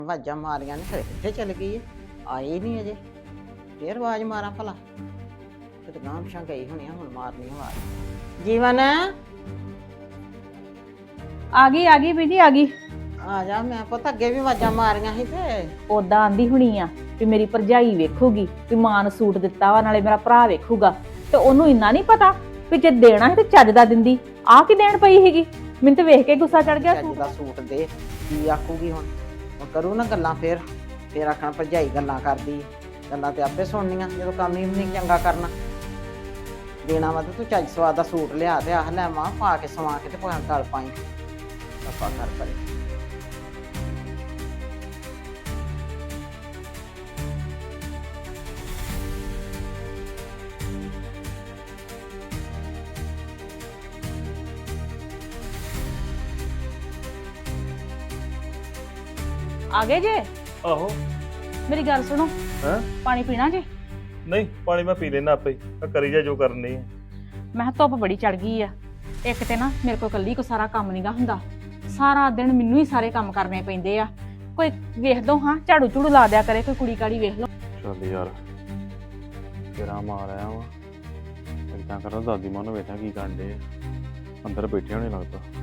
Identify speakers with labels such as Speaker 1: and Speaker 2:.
Speaker 1: ਆਵਾਜ਼ਾਂ ਮਾਰੀਆਂ ਨੇ ਫਿਰ ਕਿੱਥੇ ਚਲ ਗਈ ਹੈ ਆਈ ਨਹੀਂ ਅਜੇ ਫੇਰ ਆਵਾਜ਼ ਮਾਰਾਂ ਭਲਾ ਕਿਤੇ ਗਾਂਹ ਪਿਛਾਂ ਗਈ ਹੋਣੀ ਆ ਹੁਣ ਮਾਰਨੀ ਆਵਾਜ਼ ਜੀਵਨ
Speaker 2: ਆ ਗਈ ਬੀਜੀ ਆ ਗਈ।
Speaker 1: ਆ ਜਾ ਮੈਂ ਪੁੱਤ ਅੱਗੇ ਵੀ ਆਵਾਜ਼ਾਂ ਮਾਰੀਆਂ ਸੀ ਤੇ
Speaker 2: ਉਦਾਂ ਆਂਦੀ ਹੁਣੀ ਆ ਵੀ ਮੇਰੀ ਭਰਜਾਈ ਵੇਖੂਗੀ ਵੀ ਮਾਂ ਨੂੰ ਸੂਟ ਦਿੱਤਾ ਵਾ ਨਾਲੇ ਮੇਰਾ ਭਰਾ ਵੇਖੂਗਾ ਤੇ ਉਹਨੂੰ ਇੰਨਾ ਨਹੀਂ ਪਤਾ ਵੀ ਜੇ ਦੇਣਾ ਹੈ ਤੇ ਚੱਜ ਦਾ ਦਿੰਦੀ ਆ ਕੀ ਦੇਣ ਪਈ ਹੈਗੀ। ਮੈਨੂੰ ਤੇ ਵੇਖ ਕੇ ਗੁੱਸਾ ਚੜ ਗਿਆ।
Speaker 1: ਚੱਜ ਦਾ ਸੂਟ ਦੇ ਕੀ ਆਖੂਗੀ ਹੁਣ ਉਹ ਕਰੂ ਨਾ ਗੱਲਾਂ ਫੇਰ ਆਖਣਾ ਭਰਜਾਈ ਗੱਲਾਂ ਕਰਦੀ ਗੱਲਾਂ ਤੇ ਆਪੇ ਸੁਣਨੀਆਂ ਜਦੋਂ ਕੰਮ ਹੀ ਨਹੀਂ ਚੰਗਾ ਕਰਨਾ ਦੇਣਾ ਵਾ ਤੇ ਤੂੰ ਚੱਜ ਸਵਾਦ ਦਾ ਸੂਟ ਲਿਆ ਤੇ ਆਹ ਲੈ ਮਾਂ ਪਾ ਕੇ ਸਵਾ ਕੇ ਤੇ ਪਾ ਗਲ ਪਾਈ ਆਪਾਂ ਕਰ ਪਰੇ
Speaker 2: ਆ ਗਏ ਜੇ?
Speaker 3: ਆਹੋ।
Speaker 2: ਮੇਰੀ ਗੱਲ ਸੁਣੋ।
Speaker 3: ਹਾਂ
Speaker 2: ਪਾਣੀ ਪੀਣਾ ਜੇ?
Speaker 3: ਨਹੀਂ ਪਾਣੀ ਮੈਂ ਪੀ ਲੈਣਾ ਆਪੇ ਹੀ ਕਰੀ ਜਾ ਜੋ ਕਰਨੀ ਹੈ।
Speaker 2: ਮੈਂ ਕਿਹਾ ਧੁੱਪ ਬੜੀ ਚੜ ਗਈ ਆ ਇੱਕ ਤੇ ਨਾ ਮੇਰੇ ਕੋਲ ਕੱਲੀ ਕੋ ਸਾਰਾ ਕੰਮ ਨਹੀਂਗਾ ਹੁੰਦਾ ਸਾਰਾ ਦਿਨ ਮੈਨੂੰ ਹੀ ਸਾਰੇ ਕੰਮ ਕਰਨੇ ਪੈਂਦੇ ਆ ਕੋਈ ਵੇਖ ਦੋ ਹਾਂ ਝਾੜੂ ਝੂੜੂ ਲਾ ਦਿਆ ਕਰੇ ਕੋਈ ਕੁੜੀ ਕਾੜੀ ਵੇਖ ਲਓ।
Speaker 4: ਚੱਲ ਯਾਰ ਤੇਰਾ ਮਾਰ ਆਇਆ ਵਾ ਇਦਾਂ ਕਰਦਾ ਦਾਦੀ ਮਾਂ ਨੂੰ ਵੇਖਾਂ ਕੀ ਕਰਨ ਡੇ ਅੰਦਰ ਬੈਠੇ ਹੋਣੇ ਲੱਗਦਾ।